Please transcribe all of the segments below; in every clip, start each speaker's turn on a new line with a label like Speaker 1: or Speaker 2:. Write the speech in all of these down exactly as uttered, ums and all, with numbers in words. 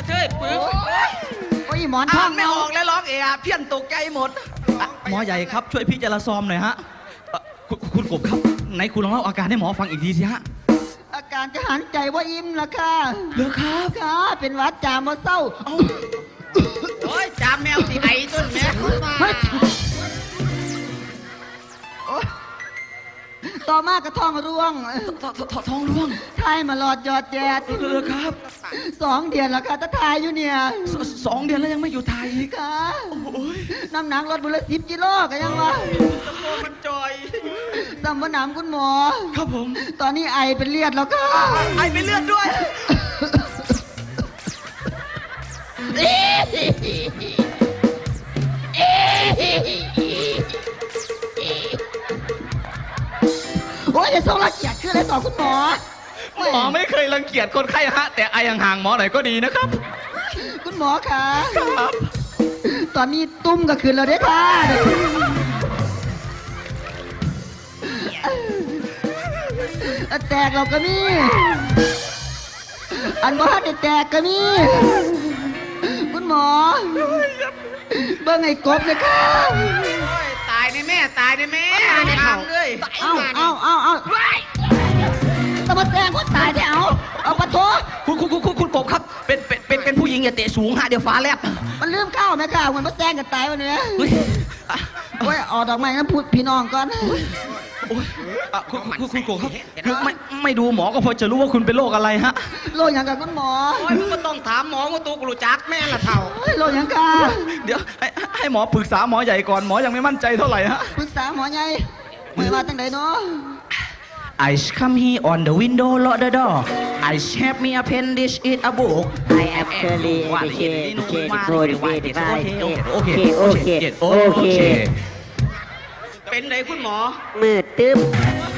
Speaker 1: เทยปึก
Speaker 2: โอ้ยหมอนทอง
Speaker 1: ไม่ออกแล้วร้องเอะเพี้ยนตกใจหมดหมอใหญ่ครับช่วยพี่จราซอมหน่อยฮะคุณกบครับไหนคุณลองเล่าอาการให้หมอฟังอีกทีสิฮะ
Speaker 2: อาการจะหันใจว่าอิ่มละค่ะ
Speaker 1: เหรอครับ
Speaker 2: ค่ะเป็นวัดจามเศร้า
Speaker 1: โอ้ยจามแมวสีไอ้ต้นแม่
Speaker 2: ต่อมากระท้องร่วง
Speaker 1: ท้องร่วง
Speaker 2: ทายมาหลอดยอดแจ๊ด
Speaker 1: เลยครับ
Speaker 2: สองเดือนแล้วค่ะถ้าทายอยู่เนี่ย
Speaker 1: สองเดือนแล้วยังไม่อยู่ไทย
Speaker 2: ค่ะน้ำหนักลดบุละสิบกิโลกันยังวะ
Speaker 1: ตะโกนมันจอย
Speaker 2: สัมปนามคุณหมอ
Speaker 1: ครับผม
Speaker 2: ตอนนี้ไอเป็นเลือดแล้วค่ะ
Speaker 1: ไอเป็นเลือดด้วย
Speaker 2: โอ้ยจะส่งรังเกียจขึ้นเลยต่อคุณหมอ
Speaker 1: หมอไม่เคยรังเกียจคนไข้ฮะแต่ไอห่างๆหมอหน่อยก็ดีนะครับ
Speaker 2: คุณหมอคะครับตอนนี้ตุ้มก็ขึ้นแล้วเด้ค่ะแตกเราก็มีอันบ้านแตกก็มีคุณหมอเบิ่งไอ้กบเลยค่ะ
Speaker 1: ตายในแม่ตายในแม่ในข่าวเลย
Speaker 2: เอาเอาเอาเอาตะมาแตงก็ตายได้เอาเอาปะโถ
Speaker 1: คุณคุณคุณคุณกบครับเป็นเป็นเป็นเป็นผู้หญิงอย่าเตะสูงฮะเดี๋ยวฟ้าแลบ
Speaker 2: มันลืมเข้าไหมค่ะเหมือนมาแตงกันตายวันนี้โอ้ยออกดอกไม้นะพูดพี่น้องก่อน
Speaker 1: โอ้ยคุณคุณคุณโกครับคือไม่ไม่ดูหมอก็พอจะรู้ว่าคุณเป็นโรคอะไรฮะ
Speaker 2: โรคอย่างกับคุณหมอ
Speaker 1: โอ้ยก็ต้องถามหมอว่าตัวกรูจักแม่ละเท่า
Speaker 2: โรคอย่างกับ
Speaker 1: เดี๋ยวให้ให้หมอปรึกษาหมอใหญ่ก่อนหมอยังไม่มั่นใจเท่าไหร่ฮะ
Speaker 2: ปรึกษาหมอใหญ่หมอว่าตั้งไหนเนาะ
Speaker 1: I come here on the window lock the door I have me appendix it a book
Speaker 3: I am currently educated qualified
Speaker 1: โอเคโอเคโอเคเป็นไหนคุณหมอ
Speaker 3: มืดตึ๊บ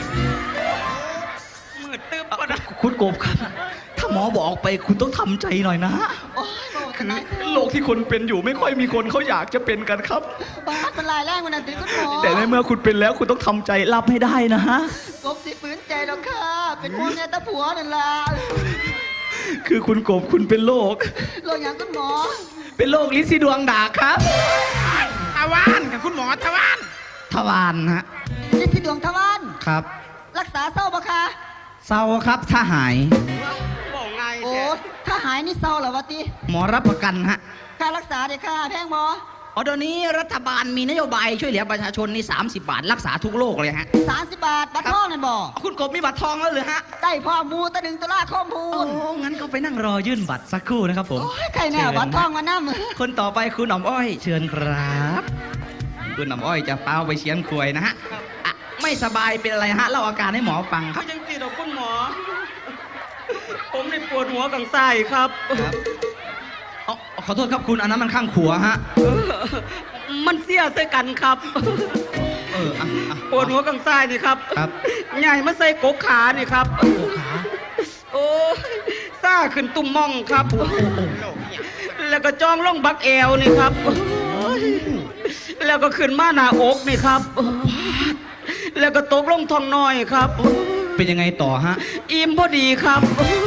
Speaker 1: มืดตึ๊บคุณกบครับถ้าหมอบอกไปคุณต้องทำใจหน่อยนะคือโรคที่คนเป็นอยู่ไม่ค่อยมีคนเขาอยากจะเป็นกันครับ
Speaker 2: บ้าเป็นลายแรงวันนั้นติคุณหมอ
Speaker 1: แต่ในเมื่อคุณเป็นแล้วคุณต้องทำใจรับให้ได้นะฮะ
Speaker 2: กบสิฝืนใจแล้วค่ะเป็นพวกแม่ตาผัวนั่นล่ะ
Speaker 1: คือคุณกบคุณเป็นโรค
Speaker 2: โรคอย่างคุณหมอ
Speaker 1: เป็นโรคลิ้นสีดวงดากครับ
Speaker 4: ทวารกับคุณหมอทวาร
Speaker 1: ทวารฮะ
Speaker 2: ลิ้นสีดวงทวาร
Speaker 1: ครับ
Speaker 2: รักษาเศร้าปะคะ
Speaker 1: เศร้าครับถ้าหาย
Speaker 4: บอกไง
Speaker 2: โอ้ถ้าหายนี่เศร้าเหรอวะตี
Speaker 1: หมอรับประกันฮะ
Speaker 2: ค่ารักษาเด็กค่าแพงหมอ
Speaker 1: อ๋อตอนนี้รัฐบาลมีนโยบายช่วยเหลือประชาชนนี่สามสิบบาทรักษาทุกโรคเลยฮะ
Speaker 2: สามสิบบาทบัตรทองนั่นบอก
Speaker 1: คุณกบมีบัตรทองแล้วหรือฮะ
Speaker 2: ได้พ่อมูตะดึงตะล่าข้อมูล
Speaker 1: โอ้งั้นก็ไปนั่งรอยื่นบัตรสักครู่นะครับผม
Speaker 2: ใครแน่บัตรทองมานั่ง
Speaker 1: คนต่อไปคุณหน่อมอ้อยเชิญครับคุณหน่อมอ้อยจะเป้าไปเชียนควยนะฮะไม่สบายเป็นอะไรฮะเล่าอาการให้หมอฟัง
Speaker 4: เขายังตีดอกคุณหมอผมนี่ปวดหัวกังไส้ครับ
Speaker 1: ขอโทษครับคุณอันนั้นมันข้างขัวฮะ
Speaker 4: มันเสียใส่กันครับ
Speaker 1: เออ
Speaker 4: ปวดหัวกังไส้นี่ครับ
Speaker 1: ครับ
Speaker 4: ใหญ่มาใส่กกขานี่ครับ
Speaker 1: กกขา
Speaker 4: โอ้ซ่าขึ้นตุ่มม่องครับแล้วก็จ้องล่องบักแอวนี่ครับแล้วก็ขึ้นมาหน้าอกนี่ครับแล้วก็ตกลงท้องน้อยครับ
Speaker 1: เป็นยังไงต่อฮะ
Speaker 4: อิ่มพอดีครับ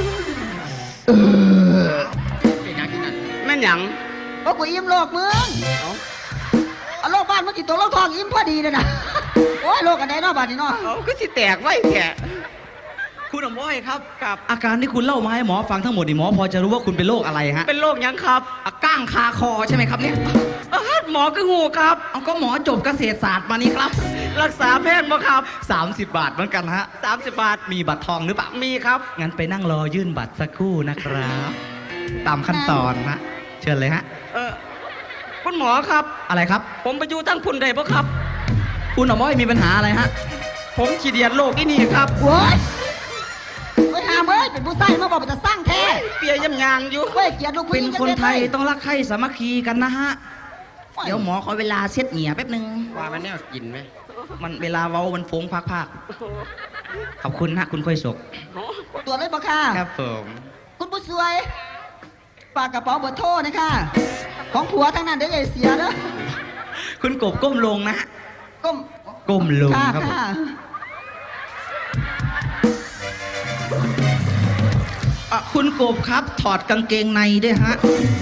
Speaker 4: แม่นหยัง
Speaker 2: โอ้กูอิ่มโลกมึงเอาโลกบ้านมึงกี่ตัวโลกทองอิ่มพอดีเลยนะโอ้ยโลกกันไหนเนาะบ้านนี้เนาะ
Speaker 4: เขาก็สิแตกไว้แก
Speaker 1: คุณหน่อมอ้อยครับกับอาการที่คุณเล่ามาให้หมอฟังทั้งหมดนี่หมอพอจะรู้ว่าคุณเป็นโรคอะไรฮะ
Speaker 4: เป็นโรคยังครับ
Speaker 1: ก้างคาคอใช่ไหมครับเนี่ย
Speaker 4: หมอก็งูครับ
Speaker 1: เอาก็หมอจบเกษตรศาสตร์มานี่ครับ
Speaker 4: รักษาแพทย์มาครับ
Speaker 1: สามสิบบาทเหมือนกันฮะ
Speaker 4: สามสิบบาท
Speaker 1: มีบัตรทองหรือเปล่า
Speaker 4: มีครับ
Speaker 1: งั้นไปนั่งรอยื่นบัตรสักครู่นะครับตามขั้นตอนนะเชิญเลยฮะ
Speaker 4: เออคุณหมอครับ
Speaker 1: อะไรครับ
Speaker 4: ผมไปอยู่ตั้งพุ่นได้ปะครับ
Speaker 1: คุณหน่อมอ้อยมีปัญหาอะไรฮะ
Speaker 4: ผมขีดเดียดโรคที่นี่ครับ
Speaker 2: โว้ยเฮ้ยหามเอ้ยเป็นผู้ใส่มาบอกเป็นจะสร้างแท้
Speaker 4: เปียยำยางอยู่
Speaker 2: เฮ้ยเกียรติลูก
Speaker 1: เป็นคนไทยต้องรักใคร่สามัคคีกันนะฮะเดี๋ยวหมอขอเวลาเช็ดเหงี่ยแป๊บนึง
Speaker 4: ว่ามันแน่กินไหม
Speaker 1: มันเวลาเว้ามันฟงพักๆขอบคุณฮะคุณค่อยศก
Speaker 2: ตัวเลยปะค่ะ
Speaker 1: ครับผม
Speaker 2: คุณผู้ช่วยฝากกระเป๋าเบอร์โทรนะคะของผัวทั้งนั้นเดี๋ยวใหญ่เสียเด้อ
Speaker 1: คุณกบก้มลงนะ
Speaker 2: ก้ม
Speaker 1: ก้มลงครับผมอ่ะคุณกบครับ ถอดกางเกงในด้วยฮะ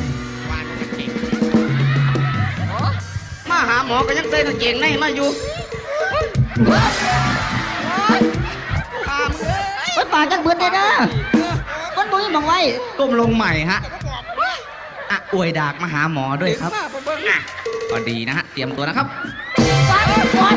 Speaker 4: มาหาหมอก็ยังใส่กางเกงในมาอยู่พามเอ้ย
Speaker 2: มันปากจังเบิดเลยนะมันบ่มีหมองไว้
Speaker 1: ก้มลงใหม่ฮะอ่ะอวยดากมาหาหมอด้วยครับ
Speaker 4: มาเบิ่ง
Speaker 1: อ่ะก็ดีนะฮะ เตรียมตัวนะครับ
Speaker 2: ปากมันก่อน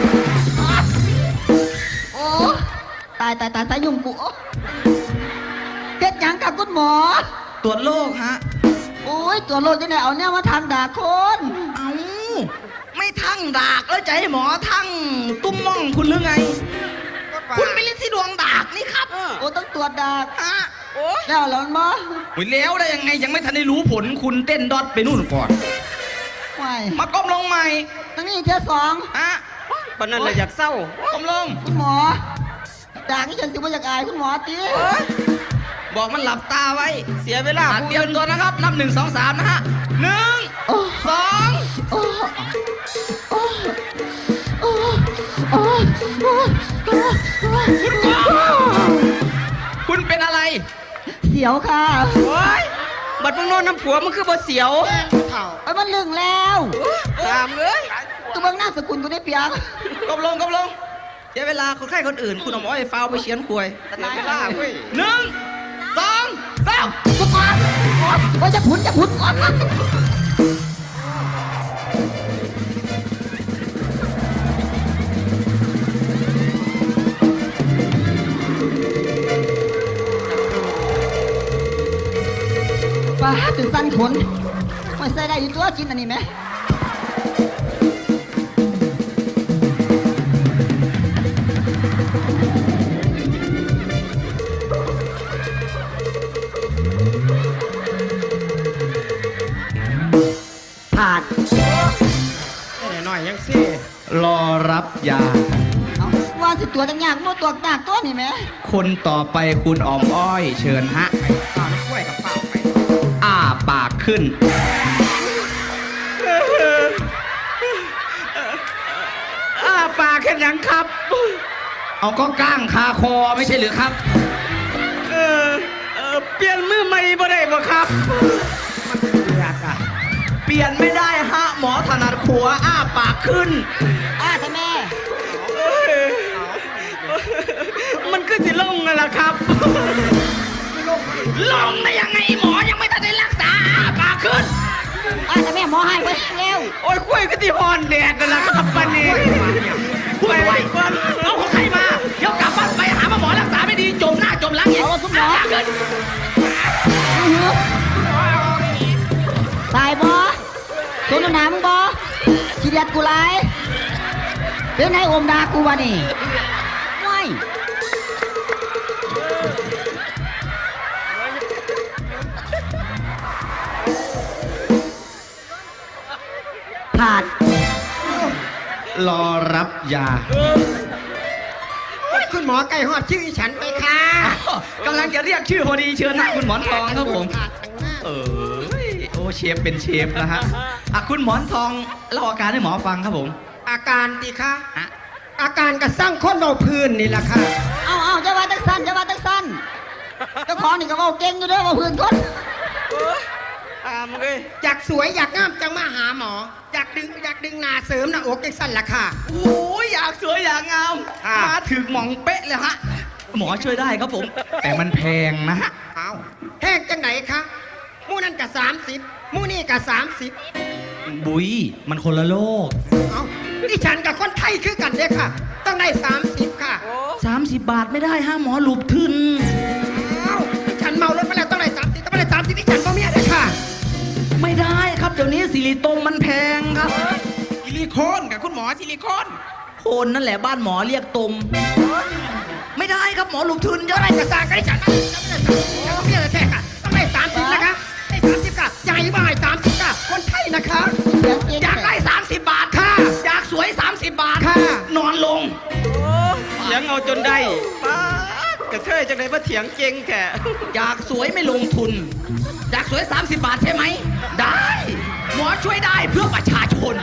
Speaker 2: โอ้ตายตายตายตายยุ่งกูโอ้เฮ็ดหยังกับคุณหมอ
Speaker 1: ตรวจโรคฮะ
Speaker 2: โอ้ยตัวโลดจะไหนเอาเนี่ยมาทางด่าคน
Speaker 1: เอาไม่ทั้งดากแล้วจะให้หมอทั้งตุ้มม่องคุณหรือไง คุณเป็นลิ้นที่ดวงดากนี่ครับ
Speaker 2: โอ้ต้องตรวจด่า
Speaker 1: ฮะ
Speaker 4: โอ้ย
Speaker 2: แล้วเหรอหมอ
Speaker 1: โอ้ยแล้วได้ยังไงยังไม่ทันได้รู้ผลคุณเต้นดอทไปนู่นก่อน
Speaker 2: ไม่
Speaker 1: มาก้มลงใหม่
Speaker 2: ตั้งนี้เที่ยวสอง
Speaker 1: ฮะ
Speaker 4: ปานนั้นเลยอยากเศร้า
Speaker 1: ก้มลง
Speaker 2: คุณหมอด่าที่ฉันสิบ่อยากอายคุณหมอตี
Speaker 1: บอกมันหลับตาไว้
Speaker 4: เสียเวลา
Speaker 1: อ่ะเตรียมตัวนะครับ นับหนึ่งสองสามนะฮะหนึ่ง
Speaker 2: โอ้
Speaker 1: สอง
Speaker 2: โอ้โอ้โอ้โอ้โอ้โอ้โอ้
Speaker 1: คุณเป็นอะไร
Speaker 2: เสียวค่ะ
Speaker 4: โอ้ยบัดมึงนอนน้ำผัวมึงคือบ่เสียว
Speaker 2: ไอ้ยมันลึงแล้ว
Speaker 4: ตามเลย
Speaker 2: ตัวเบิ่งหน้าสกุลกูได้เปียก
Speaker 1: ก้มลงก้มลงเสียเวลาคนไข้คนอื่น คุณเอาหมอไอ้ฟาวไปเชียนควย
Speaker 4: เสียเวลาเว้ย
Speaker 1: หนึ่งสองสาม
Speaker 2: กูก่อนว่าจะผุนจะผุนก่อนป้าตื่นสั้นขนไม่ใส่ได้อยู่ตัวกินอันนี้ไหมผ่าน
Speaker 4: หน่อยยังซี่
Speaker 1: รอรับยา
Speaker 2: เอาว่าสิตัวจังยากโน่ตัวหนักตัวนี่ไหม
Speaker 1: คนต่อไปคุณออมอ้อย เชิญฮะ
Speaker 4: ข้าวกล้วยกับเปล่าไป
Speaker 1: อ้าปากขึ้น
Speaker 4: อ้าปากแค่ยังครับ
Speaker 1: เอาก็ก้างคาคอไม่ใช่หรือครับ
Speaker 4: เออเออเปลี่ยนมือใหม่บ่ได้บ่ครับ
Speaker 1: อยากอะเปลี่ยนไม่ได้ฮะ หมอถนัดขัวอ้าปากขึ้น
Speaker 2: อ้าใช่แม่
Speaker 4: มันก็สิลงนั่นแหละครับ
Speaker 1: ลงได้ยังไงหมอยังไม่ทันได้รักษาอ้าปากขึ้น
Speaker 2: อ้าใช่แม่หมอให้ไปเร็ว
Speaker 4: โอ้ยกล้วยก็ที่ฮอนแดดนั่นแหละครับปันนี้
Speaker 1: พูดไว้เอาคนไข้มา เดี๋ยวกลับบ้านไปหาหมอรักษาไม่ดีจมหน้าจมหลังอีก
Speaker 2: เอาคุณหมอ
Speaker 1: อ้าปากขึ้น
Speaker 2: ตายบอโซนหนามึงบอขี้เดียดกูไรเป็นไงอมดากูวะนี่ไม่ผ่าน
Speaker 1: รอรับยา
Speaker 4: คุณหมอไก่หอดชื่อฉันไปค่ะ
Speaker 1: กำลังจะเรียกชื่อพอดีเชิญนะคุณหมอนทองครับผม เออโอ้เชฟเป็นเชฟนะฮะอ่ะคุณหมอนทองเล่าอาการให้หมอฟังครับผม
Speaker 4: อาการดีค่ะ
Speaker 1: อ่ะ
Speaker 4: อาการกระสร้างคนเราพื้นนี่แหละค่ะ
Speaker 2: เอาเอาจะว่าตักสั้นจะว่าตักสั้นเจ้าของนี่ก็เว่าเก่งอยู่เด้อเว่าพื้นคน
Speaker 4: ตามเลยอยากสวยอยากงามจังมาหาหมอ อยากดึงอยากดึงหนาเสริมหน้าอกจังสั้นละค่ะ
Speaker 1: โอ้ยอยากสวยอยากงาม
Speaker 4: ค่ะ
Speaker 1: มาถึงหมองเป๊ะเลยฮะ หมอช่วยได้ครับผม แต่มันแพงนะฮะ
Speaker 4: เอาแห้งจังไหนคะมู่นั่นกับสามสิบมู่นี่กับสามสิบ
Speaker 1: บุยมันคนละโลก
Speaker 4: เอาดิฉันกับคนไทยคือกันเลยค่ะ ต้องได้สามสิบค่ะ
Speaker 1: สามสิบบาทไม่ได้ฮะหมอหลุบทึน
Speaker 4: เอาดิฉันเมารถไปแล้วต้องได้สามสิบต้องได้สามสิบดิฉันก็เมียเลยค่ะ
Speaker 1: ไม่ได้ครับเดี๋ยวนี้ซิลิโตมมันแพงครับ
Speaker 4: ซิลิโคนกับคุณหมอซิลิโคน
Speaker 1: โคนนั่นแหละบ้านหมอเรียกตม ไม่ได้ครับหมอหลุบทึนเยอะ
Speaker 4: อะไรกระซางกันดิฉันฉันก็เมียเลยแท้ค่ะต้องได้สามสิบนะคะได้สามสิบค่ะใหญ่บ่ายสามสิบค่ะคนไทยนะคะ
Speaker 2: เสียงเก่ง
Speaker 1: อยากได้สามสิบบาทค่ะ อยากสวยสามสิบบาท
Speaker 4: ค่ะ
Speaker 1: นอนลง
Speaker 4: เถียงเอาจนได้กระเทยจังเลยว่าเถียงเจงแค่
Speaker 1: อยากสวยไม่ลงทุน อยากสวยสามสิบบาทใช่ไหม ได้ หมอช่วยได้เพื่อประชาชน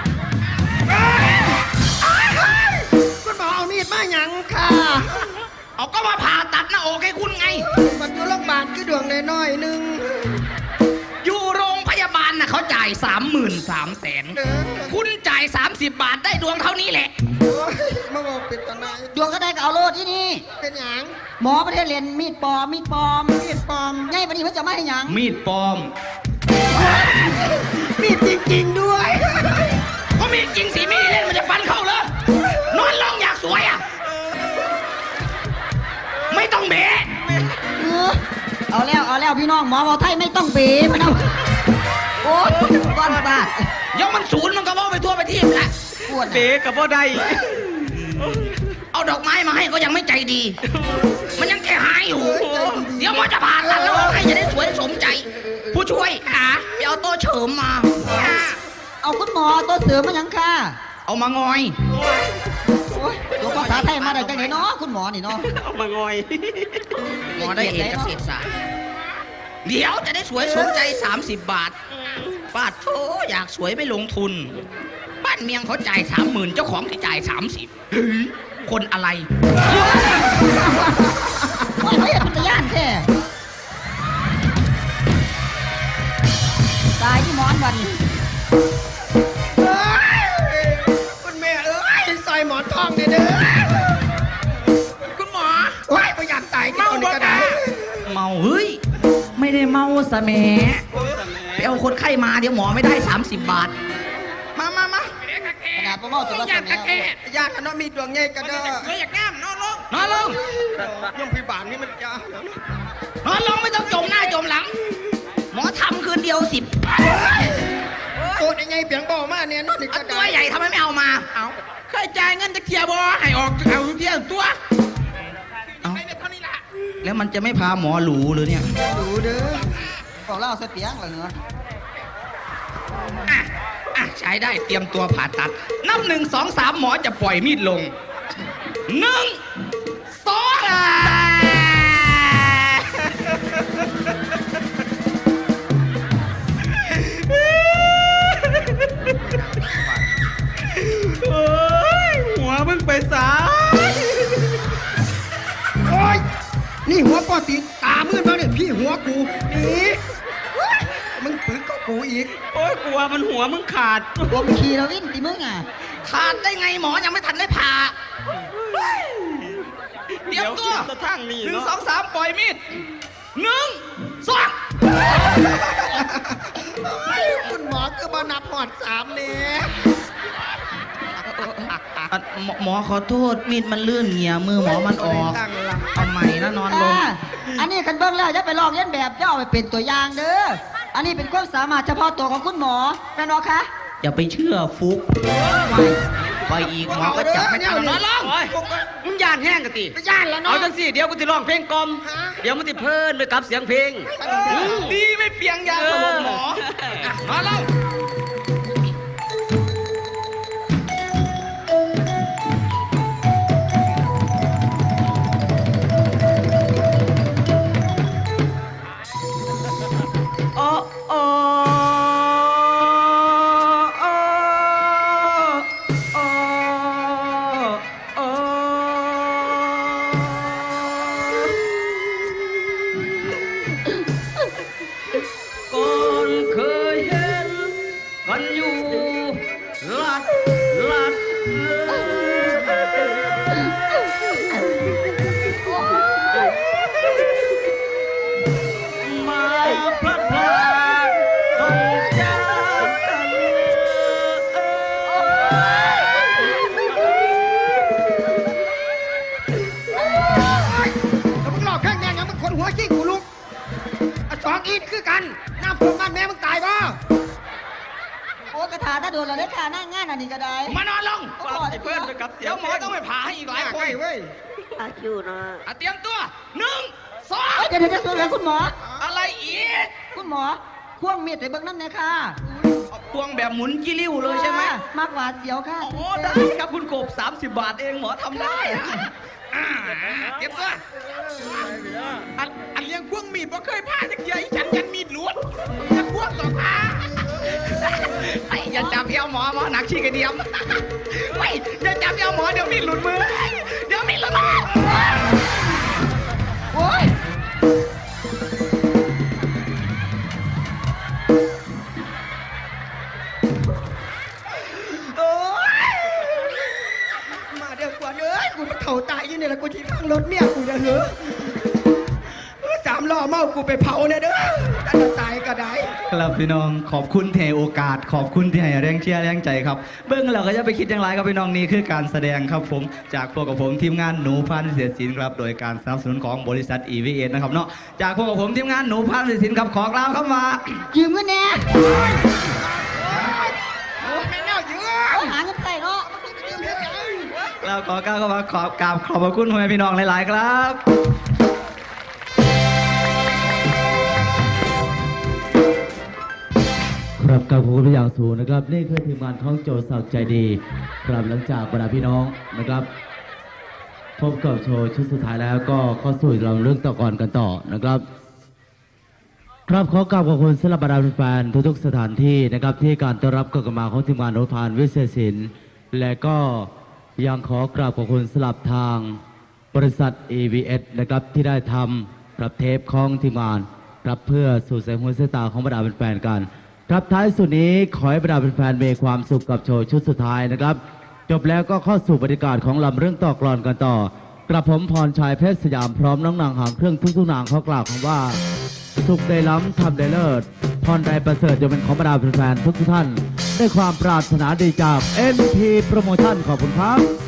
Speaker 4: คุณหมอเอามีดมาหยังค่ะ
Speaker 1: เอาก็มาผ่าตัดหน้าอกให้คุณไง
Speaker 5: มันอยู่โรงพยาบาลคือดวงน้อยๆหนึง
Speaker 1: อยู่โรงพยาบาลน่ะเขาจ่ายสามหมื่นสามแสน
Speaker 5: เด้อ
Speaker 1: คุณจ่ายสามสิบบาทได้ดวงเท่านี้แหละ
Speaker 5: โอ้ยมาบอกเป็นตอนไหน
Speaker 2: ดวงก็ได้ก็เอาโลดที่นี่
Speaker 5: เป็นหยัง
Speaker 2: หมอประเทศเรียนมีดปลอมมีดปลอม
Speaker 5: มีดปลอม
Speaker 2: ไงวันนี้เพิ่นจะมาให้หยัง
Speaker 1: มีดปลอม
Speaker 5: มีดจริงๆด้วย
Speaker 1: ก็มีดจริงสิมีดเล่นมันจะฟันเข้าเลยนอนลงอยากสวยอ่ะ ไม่ต้องเบะ
Speaker 2: เออเอาแล้วเอาแล้วพี่น้องหมอบอกไทยไม่ต้องเบ๋มันเอาโอ้ยก้อนบาด
Speaker 1: ยกมันศูนย์มันก็ว่าไปทั่วไปที่ละ
Speaker 2: ปวด
Speaker 4: เบกับบ่ได้
Speaker 1: เอาดอกไม้มาให้ก็ยังไม่ใจดี มันยังแค่หายอยู่ เดี๋ยวหมอจะผ่าตัดแล้วให้จะได้สวยสมใจ ผู้ช่วยขาไปเอาโต๊ะเฉิมมา
Speaker 2: เอาคุณหมอตัวเสือมาหยังค่ะ
Speaker 1: เอามางอย
Speaker 2: โอ้ยตัวภาษาไทยมาได้จังไหนเนาะคุณหมอนี่เนาะ
Speaker 4: เอามางอย
Speaker 1: หมอได้เอกเกษตรศาสตร์เดี๋ยวจะได้สวยสมใจ สามสิบบาทป้าโธ่อยากสวยไม่ลงทุน บ้านเมียงเขาจ่ายสามหมื่นเจ้าของที่จ่ายสามสิบคนอะไร
Speaker 2: โอ้ยเขาอยากเป็นตะย่านแท้ตายที่หมอนวัน
Speaker 5: เอ้ยคุณแม่เอ้ยใส่หมอนทองเนี่ยเด้อ
Speaker 1: คุณหมอ
Speaker 5: โอ้ยประหยัดตายที่เอานี่ก็ได้
Speaker 1: เมาเฮ้ย ไม่ได้เมาสะแหมไปเอาคนไข้มาเดี๋ยวหมอไม่ได้ สามสิบบาท
Speaker 5: มามามา
Speaker 2: ขนาดประเมาตัวละสมัย
Speaker 5: ญาติกันเนาะมีดวงใหญ่กันเด้อ
Speaker 1: อยากงามนอนลงนอนลง
Speaker 5: ย่อมพิบาลนี่มันยา
Speaker 1: นอนลงไม่ต้องจมหน้าจมหลัง หมอทำคืนเดียวสิบ
Speaker 5: ตัวยังไงเปียงบ่อมาเนี่ยนอนนี่ก็
Speaker 1: ตั
Speaker 5: ได้
Speaker 1: วใหญ่ทำไมไม่เอามา เอาเคยจ่ายเงินจะเคลียร์บอให้ออกเอาเที่ยงตัวเอาแล้วมันจะไม่พาหมอหรูหรือเนี่ย
Speaker 5: ดูเด้อ
Speaker 2: บอกเล่าเสเปียงเหรอเนาะ
Speaker 1: อ่ะอ่ะใช้ได้เตรียมตัวผ่าตัด นับหนึ่งสองสามหมอจะปล่อยมีดลงหนึ่งสองอ่ะ
Speaker 4: โอ้ยหัวมึงไปสาย
Speaker 5: โอ้ยนี่หัวปอตีตามืดมาเนี่ยพี่หัวกูนี่เฮ้ยมึงปึกก็กูอีก
Speaker 4: โอ้ยกลัวมันหัวมึงขาด
Speaker 2: รวมขี่แล้ววิ่งตีมึงอ่ะ
Speaker 1: ขาดได้ไงหมอยังไม่ทันได้ผ่าเตรียมตัว
Speaker 4: จะทั้งนี่
Speaker 1: หนึ่ง
Speaker 4: เนาะ
Speaker 1: สองสามปล่อยมีดหนึ่งสอง
Speaker 5: คุณหมอคือมานับหอดสามเนี่ย
Speaker 1: อ่ะหมอหมอขอโทษมีดมันลื่นเหงี่ยมือหมอมันออก
Speaker 5: ตั้งหลัง
Speaker 1: เอาใหม่นะนอนลง
Speaker 2: อ่าอันนี้คันเบิ้งแล้วจะไปลองเลียนแบบจะเอาไปเป็นตัวอย่างเด้อ อันนี้เป็นความสามารถเฉพาะตัวของคุณหมอแม่นบ่คะ
Speaker 1: อย่าไปเชื่อฟุกไปอีกหมอก็จับไม่ทันนอนลง
Speaker 4: โอ้ยมึงย่านแห้งกันติ
Speaker 5: ไปย่านแล้ว
Speaker 4: เอา
Speaker 5: เนาะ
Speaker 4: จังสิเดี๋ยวกูจะร้องเพลงกลอม
Speaker 5: ฮะ
Speaker 4: เดี๋ยวมันจะเพลินไปกับเสียงเพลง
Speaker 1: ดีไม่เปียงยาสลบหมออ่ะนอนลง
Speaker 4: โอ้โอ้โอ้โอ้โอ้ก่อนเคยเห็นกันอยู่ลัดลัดมาพลัดพรากต้องจากกัน
Speaker 5: แล้วมึงหลอกแค่แง่ยังมึงคนหัวขี้กูลุกอ่ะสองอีนคือกันน้ำท่วมบ้านแม่มึงตายบ่
Speaker 2: โอ้กระถาถ้าโดนเราได้ค่ะหน้างานอันนี้ก็ได้
Speaker 1: มานอนลง
Speaker 2: โอ้โห
Speaker 4: ไอ้เพื่อนไปกับเสี
Speaker 1: เดี๋
Speaker 4: ย
Speaker 1: ยว
Speaker 4: ง
Speaker 1: หมอต้องไปผ่าให้อีกหลายคน
Speaker 5: ใช่เว้ย
Speaker 3: อาคิวนะ
Speaker 1: อ่ะเตรียมตัวหนึ่งสอง
Speaker 2: เอ้ยเดี๋ยวเดี๋ยวเดี๋ยวเดี๋ยวคุณหมอ
Speaker 1: อะไรอีก
Speaker 2: คุณหมอควงมีดไปเบิ่งนั่นเลยค่ะ
Speaker 1: เอาพวงแบบหมุนกิ้ริ้วเลยใช่ไหม
Speaker 2: มากหวาดเสียวค่ะ
Speaker 1: โอ้ได้ครับคุณกบสามสิบบาทเองหมอทำได้อ่ะอ่าเตรียมตัว
Speaker 6: อันอันเลี้ยงพวงมีดบ่เคยพลาดจักเทียอีฉันยันมีดหลวดจะพวงต่อพา
Speaker 1: ไอ้อย่าจับเอวหมอหมอหนักชี้กระเดียมไม่อย่าจับเอวหมอเดี๋ยวมีดหลุดมือ เดี๋ยวมีดหลุดมือ
Speaker 2: โอ้ย
Speaker 5: โอ้ยมาเดี๋ยวกว่าเอ้ยกูมาเข่าตายอยู่เนี่ยแล้วกูที่ข้างรถเมียกูเนี่ยเหรอเออสามล้อเมากูไปเผาเนี่ยเด้อแต่จะตายก็ได้
Speaker 7: ครับพี่น้องขอบคุณที่ให้โอกาสขอบคุณที่ให้แรงเชียร์แรงใจครับ เบิ้งเราก็จะไปคิดอย่างไรครับพี่น้องนี่คือการแสดงครับผมจากพวกกับผมทีมงานหนูพันธุ์เสียศิลป์ครับโดยการสนับสนุนของบริษัท อี วี เอส นะครับเนาะจากพวกกับผมทีมงานหนูพันธุ์เสียศิลป์ครับขอกล่าวคำว่า
Speaker 2: ยืมเงินแน่
Speaker 5: ไม่น่าเยอะ
Speaker 2: เอาหาเงินใส่เนาะ
Speaker 7: เราขอกล่าวคำว่าขอบกราบขอบพระคุณพ่อแม่พี่น้องหลาย ๆ ครับ
Speaker 8: ครับกับขอบคุณเป็นอย่างสูงนะครับนี่คือทีมงานของโจศักดิ์ใจดีครับหลังจากบรรดาพี่น้องนะครับพบกับโชว์ชุดสุดท้ายแล้วก็เข้าสู่เราเรื่องต่อก่อนกันต่อนะครับครับขอกราบขอบคุณสำหรับบรรดาแฟนๆทุกๆสถานที่นะครับที่การต้อนรับการมาของทีมงานโนพานวิเศษศิลป์และก็ยังขอกราบขอบคุณสำหรับทางบริษัท อี วี เอส นะครับที่ได้ทำรับเทปของทีมงานรับเพื่อสู่สายหูสายตาของบรรดาแฟนๆกัน ครับท้ายสุดนี้ขอให้บรรดาแฟนๆมีความสุขกับโชว์ชุดสุดท้ายนะครับจบแล้วก็เข้าสู่บรรยากาศของลำเรื่องต่อกลอนกันต่อกระผมพรชัยเพชรสยามพร้อมน้องนางหางเครื่องทุกๆนางเขากล่าวคำว่าสุขได้ล้ำทำได้เลิศพรใดประเสริฐจะเป็นของบรรดาแฟนๆทุกๆท่านด้วยความปรารถนาดีจาก เอ็น พี โปรโมชั่นขอบคุณครับ